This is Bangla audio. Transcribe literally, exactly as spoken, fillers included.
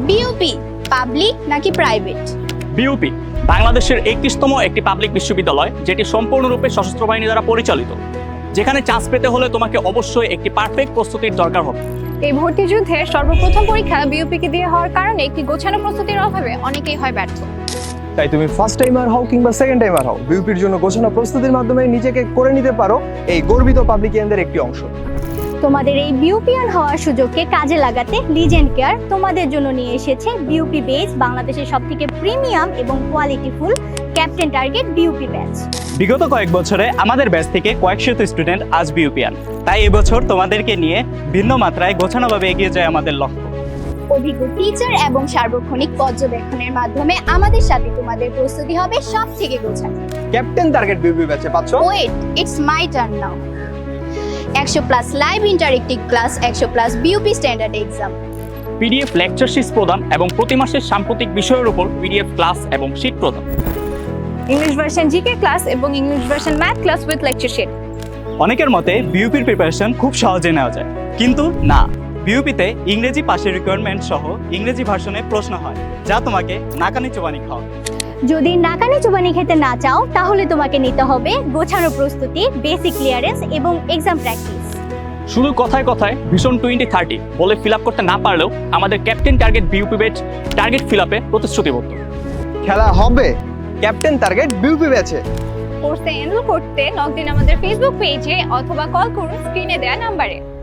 বিইউপি পাবলিক নাকি প্রাইভেট? বিইউপি বাংলাদেশের একত্রিশতম একটি পাবলিক বিশ্ববিদ্যালয়, যেটি সম্পূর্ণরূপে সশস্ত্র বাহিনী দ্বারা পরিচালিত। যেখানে চান্স পেতে হলে তোমাকে অবশ্যই একটি পারফেক্ট প্রস্তুতির দরকার হবে। এই ভর্তি যুদ্ধের সর্বপ্রথম পরীক্ষা বিইউপিকে দিয়ে হওয়ার কারণে একটি গোছানো প্রস্তুতির অভাবে অনেকেই হয় ব্যর্থ। তাই তুমি ফার্স্ট টাইমার হও কিংবা সেকেন্ড টাইমার হও, বিইউপির জন্য গোছানো প্রস্তুতির মাধ্যমে নিজেকে করে নিতে পারো এই গর্বিত পাবলিকিয়ানদের একটি অংশ। তোমাদের এই বিউপিয়ান হওয়ার সুযোগকে কাজে লাগাতে লিজেন্ড কেয়ার তোমাদের জন্য নিয়ে এসেছে বিউপি বেস, বাংলাদেশের সবথেকে প্রিমিয়াম এবং qualityful captain target BUP batch. বিগত কয়েক বছরে আমাদের ব্যাচ থেকে কয়েকশত স্টুডেন্ট আজ বিইউপিয়ান। তাই এবছর তোমাদেরকে নিয়ে ভিন্ন মাত্রায় গোছানোভাবে এগিয়ে যায় আমাদের লক্ষ্য। অভিজ্ঞ টিচার এবং সার্বক্ষণিক পর্যবেক্ষণের মাধ্যমে আমাদের সাথে তোমাদের প্রস্তুতি হবে সব থেকে গোছানো। ক্যাপ্টেন টার্গেট বিইউপি ব্যাচে পাচ্ছ wait, it's my turn now. একশো প্লাস লাইভ ইন্টারেক্টিভ ক্লাস, একশো plus BUP standard exam, PDF lecture sheet প্রদান এবং প্রতি মাসের সাম্প্রতিক বিষয়ের উপর পিডিএফ ক্লাস এবং শিট প্রদান, ইংলিশ ভার্সন জিকে ক্লাস এবং English version math class with lecture sheet. অনেকের মতে বিইউপির প্রিপারেশন খুব সহজে নেওয়া যায়, কিন্তু না। বিইউপিতে ইংরেজি পাশের রিকোয়ারমেন্ট সহ ইংরেজি ভার্সনে প্রশ্ন হয়, যা তোমাকে নাকানি চোবানি খাওয়াবে। যদি নাকানি চুবানি খেতে না চাও তাহলে তোমাকে নিতে হবে গোছানো প্রস্তুতি, বেসিক ক্লিয়ারেন্স এবং এক্সাম প্র্যাকটিস। শুধু কথায় কথায় ভিশন টোয়েন্টি থার্টি বলে ফিল আপ করতে না পারলেও আমাদের captain target BUP batch target fill আপে প্রতিশ্রুতিবদ্ধ। খেলা হবে ক্যাপ্টেন টার্গেট বিইউপি ব্যাচে। কোর্সে এনরোল করতে লগ দিন আমাদের ফেসবুক পেজে অথবা কল করুন স্ক্রিনে দেওয়া নাম্বারে।